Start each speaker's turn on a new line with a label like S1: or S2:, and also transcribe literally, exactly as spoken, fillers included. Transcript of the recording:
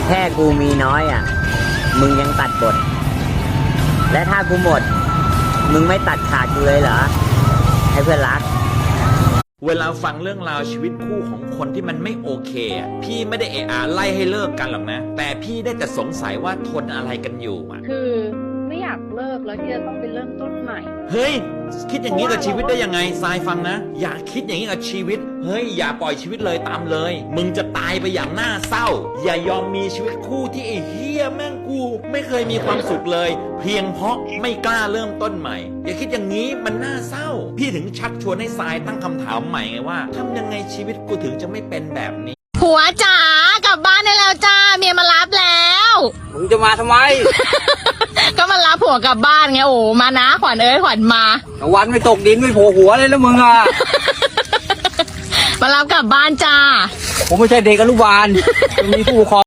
S1: ค่กูมีน้อยอ่ะมึงยังตัดบทและถ้ากูหมดมึงไม่ตัดขาดกูเลยเหรอให้เพื่อนรัก
S2: เวลาฟังเรื่องราวชีวิตคู่ของคนที่มันไม่โอเคอ่ะพี่ไม่ได้เอะอะไล่ให้เลิกกันหรอกนะแต่พี่ได้แต่สงสัยว่าทนอะไรกันอยู่อ่ะ
S3: คือไม่อยากเลิกแล้วที่จะต้องไปเริ่มต้นใหม่
S2: เฮ้ยคิดอย่างนี้กับชีวิตได้ยังไงทรายฟังนะอย่าคิดอย่างนี้กับชีวิตเฮ้ยอย่าปล่อยชีวิตเลยตามเลยมึงจะตายไปอย่างน่าเศร้าอย่ายอมมีชีวิตคู่ที่ไอ้เฮียแม่งกูไม่เคยมีความสุขเลยเพียงเพราะไม่กล้าเริ่มต้นใหม่อย่าคิดอย่างนี้มันน่าเศร้าพี่ถึงชักชวนให้ทรายตั้งคำถามใหม่ไงว่าทำยังไงชีวิตกูถึงจะไม่เป็นแบบนี้
S4: ผัวจ๋ากลับบ้านได้แล้วจ้าเมียมารับแล้ว
S5: มึงจะมาทำไม
S4: ก็มารับผัวกลับบ้านไงโอ้มานะขวัญเอ้ยขวัญมา
S5: ตะวันไม่ตกดินไม่โผล่หัวเลยแล้วมึงอ่ะ
S4: มารับกลับบ้านจ้า
S5: ผมไม่ใช่เด็กอนุบาล มีผู้ปกครอง